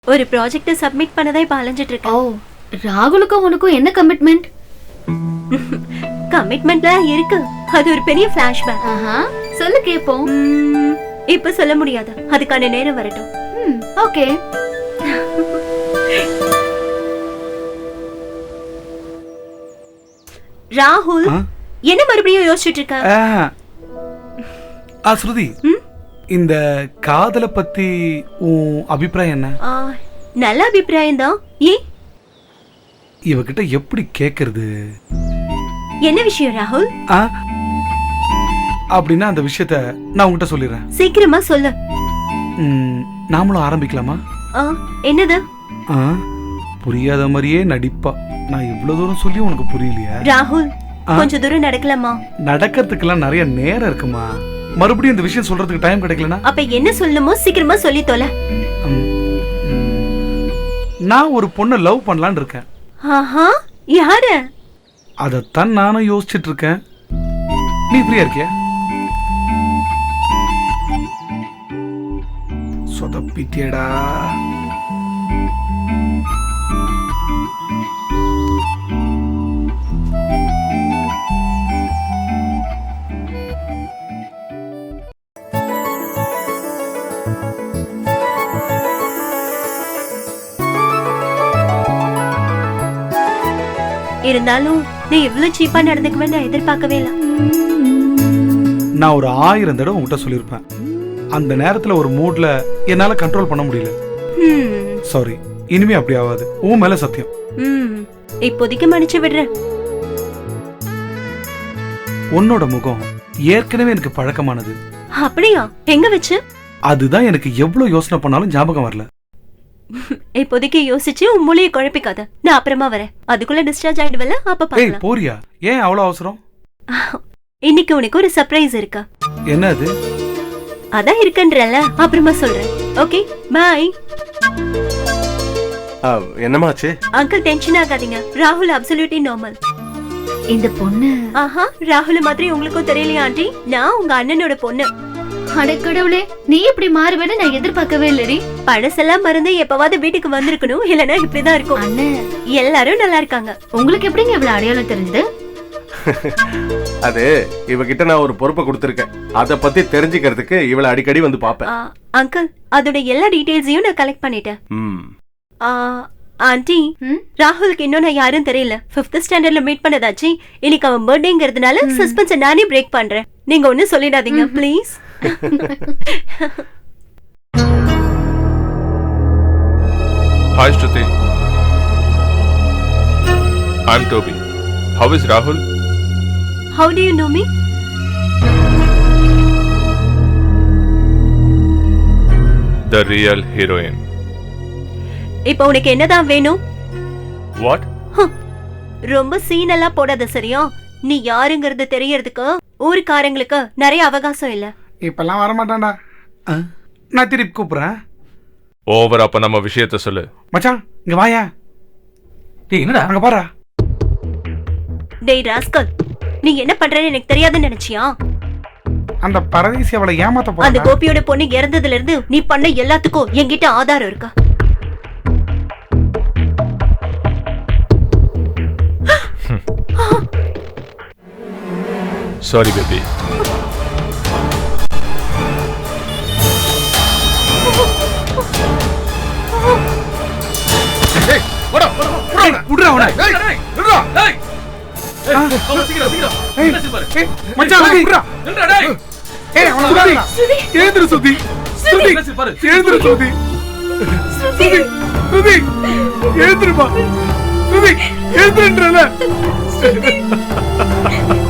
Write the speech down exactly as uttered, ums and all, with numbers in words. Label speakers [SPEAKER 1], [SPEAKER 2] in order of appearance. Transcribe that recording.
[SPEAKER 1] ஒரு project submit பண்ணதே இப்ப அலைஞ்சிட்டு இருக்கேன்.
[SPEAKER 2] ஓ, ராகுலுக்கும் உனக்கும் என்ன கமிட்மெண்ட்?
[SPEAKER 1] கமிட்மெண்ட்லாம் இருக்கு. அது ஒரு பெரிய ஃபிளாஷ்பேக்.
[SPEAKER 2] ஆஹா, சொல்லு கேப்போம்.
[SPEAKER 1] ம், இப்ப சொல்ல முடியாது. அதுக்கான நேரம் வரட்டும்.
[SPEAKER 2] ம், ஓகே.
[SPEAKER 1] ராகுல், என்ன மறுபடியும் யோசிச்சுட்டு இருக்க?
[SPEAKER 3] ஆ ஸ்ருதி, இந்த காதலை பத்தி உன் அபிப்பிராயம் என்ன?
[SPEAKER 1] ஆ, நல்ல அபிப்பிராயம் தான். ஏன்?
[SPEAKER 3] இவகிட்ட எப்படி கேக்குறது?
[SPEAKER 1] என்ன விஷயம் ராகுல்?
[SPEAKER 3] ஆ, அப்படின்னா அந்த விஷயத்த நான் உங்ககிட்ட சொல்லிடுறேன்.
[SPEAKER 1] சீக்கிரமா சொல்லு.
[SPEAKER 3] ம், நாமளும் ஆரம்பிக்கலாமா?
[SPEAKER 1] ஆ, என்னது?
[SPEAKER 3] ஆ, புரியாத மாதிரியே நடிப்பா. நான் இவ்வளவு தூரம் சொல்லி உனக்கு புரியலையா?
[SPEAKER 1] ராகுல், கொஞ்சம் தூரம் நடக்கலாமா?
[SPEAKER 3] நடக்கிறதுக்கெல்லாம் நிறைய நேரம் இருக்குமா. மறுபடியும் இந்த விஷயம் சொல்றதுக்கு டைம் கிடைக்கலனா?
[SPEAKER 1] அப்ப என்ன சொல்லணுமோ சீக்கிரமா சொல்லி தொலை.
[SPEAKER 3] நான் ஒரு பொண்ணை லவ் பண்ணலான்னு இருக்கேன்.
[SPEAKER 1] ஆஹா, யாரு?
[SPEAKER 3] அதத்தான் நானும் யோசிச்சுட்டு இருக்கேன். நீ ஃப்ரீயா இருக்கியா? சொதப்பிட்டியடா.
[SPEAKER 1] இருந்தாலும் நீ இவ்வளவு சீப்பா நடந்துக்குவேன்னு நான் எதிர்பார்க்கவே இல்ல.
[SPEAKER 3] நான் ஒரு ஆயிரம் தடவை உங்ககிட்ட சொல்லியிருப்பேன். அந்த நேரத்துல ஒரு மூட்ல என்னால கண்ட்ரோல் பண்ண முடியல. சாரி, இனிமே அப்படி ஆகாது. உன் மேல சத்தியம்.
[SPEAKER 1] ம், இப்போதைக்கு மன்னிச்சு விடுறேன்.
[SPEAKER 3] உன்னோட முகம் ஏற்கனவே எனக்கு பழக்கமானது.
[SPEAKER 1] அப்படியா? எங்க வச்சு?
[SPEAKER 3] அதுதான் எனக்கு எவ்வளவு யோசனை பண்ணாலும் ஞாபகம் வரல.
[SPEAKER 1] இப்போதைக்கு யோசிச்சு உன் மூளையை குழப்பிக்காத. நான் அப்புறமா வரேன். அதுக்குள்ள டிஸ்சார்ஜ் ஆயிடுவல, அப்ப
[SPEAKER 3] ஏய்
[SPEAKER 1] பார்க்கலாம்.
[SPEAKER 3] போறியா? ஏன் அவ்வளவு அவசரம்?
[SPEAKER 1] இன்னைக்கு உனக்கு ஒரு சர்ப்ரைஸ் இருக்கு.
[SPEAKER 3] என்ன அது?
[SPEAKER 1] அதான் இருக்குன்றல, அப்புறமா சொல்றேன். Okay, bye.
[SPEAKER 4] என்னமாச்சு?
[SPEAKER 1] அங்கிள் டென்ஷன் ஆகாதீங்க. ராகுல் அப்சல்யூட்லி நார்மல்.
[SPEAKER 2] இந்த பொண்ணு,
[SPEAKER 1] ஆஹா, ராகுல் மாதிரி உங்களுக்கும் தெரியலையா ஆண்டி? நான் உங்க அண்ணனோட பொண்ணு.
[SPEAKER 2] அடக்கடவுளே, நீ இப்படி மாறுவேன்னு நான் எதிர்பார்க்கவே இல்லடி.
[SPEAKER 1] பழசெல்லாம் மறந்து எப்பவாவது வீட்டுக்கு வந்திருக்கணும், இல்லனா இப்படிதான் இருக்கும்.
[SPEAKER 2] அண்ணன்,
[SPEAKER 1] எல்லாரும் நல்லா இருக்காங்க.
[SPEAKER 2] உங்களுக்கு எப்படிங்க இவ்வளவு அடையாளம் தெரிஞ்சது?
[SPEAKER 4] அது இவகிட்ட நான் ஒரு பொறுப்பை கொடுத்திருக்கேன். அத பத்தி தெரிஞ்சுக்கிறதுக்கு இவளை அடிக்கடி வந்து பாப்பேன்.
[SPEAKER 1] அங்கிள், அதோட எல்லா டீடைல்ஸையும் நான் கலெக்ட் பண்ணிட்டேன்.
[SPEAKER 4] ம்.
[SPEAKER 1] ஆண்டி, ராகுலுக்கு இன்னும் நான் யாரும் தெரியல. ஃபிஃப்த் ஸ்டாண்டர்ட்ல மீட் பண்ணதாச்சு. இன்னைக்கு அவன் பர்த்டேங்கிறதுனால சஸ்பென்ஸ் நானே பிரேக் பண்றேன். நீங்க ஒன்னும் சொல்லிடாதீங்க please.
[SPEAKER 5] Hi Shruti. I'm Toby. How is Rahul?
[SPEAKER 1] How do you know me?
[SPEAKER 5] The real heroine.
[SPEAKER 1] இப்போ உனக்கு என்னதான் வேணும்?
[SPEAKER 5] What?
[SPEAKER 1] ரொம்ப சீன் எல்லாம் போடாத சரியா? நீ யாருங்கிறது தெரியறதுக்கு ஊருக்காரங்களுக்கு நிறைய அவகாசம் இல்ல.
[SPEAKER 3] இப்பெல்லாம் வர மாட்டான்டா. நான் திருப்பி கூப்பிடுறேன்.
[SPEAKER 5] ஓவர். அப்ப நம்ம விஷயத்தை சொல்லு.
[SPEAKER 3] மச்சான், இங்க வாயா. டேய், என்னடா அங்க பாரு.
[SPEAKER 1] டேய் ராஸ்கல், நீ என்ன பண்றேன்னு எனக்கு தெரியாதுன்னு நினைச்சியா?
[SPEAKER 3] அந்த பரதேசி அவளை ஏமாத்த போறா.
[SPEAKER 1] அந்த கோபியோட பொண்ணு இறந்ததுல இருந்து நீ பண்ண எல்லாத்துக்கும் என்கிட்ட ஆதாரம் இருக்கா?
[SPEAKER 5] Sorry baby.
[SPEAKER 3] ஏய், வாடா, வாடா, விடுடா அவனை. ஏய், விடுடா. ஏய். அவன சீக்கிரம் சீக்கிரம். ஏய், மச்சான் விடுடா. நில்றா டேய். ஏய், அவன விடுடா. ஏந்திரு சுதி. சுதி. ஏந்திரு சுதி. சுதி. சுதி. ஏந்திருமா. சுதி. ஏந்திரன்றல.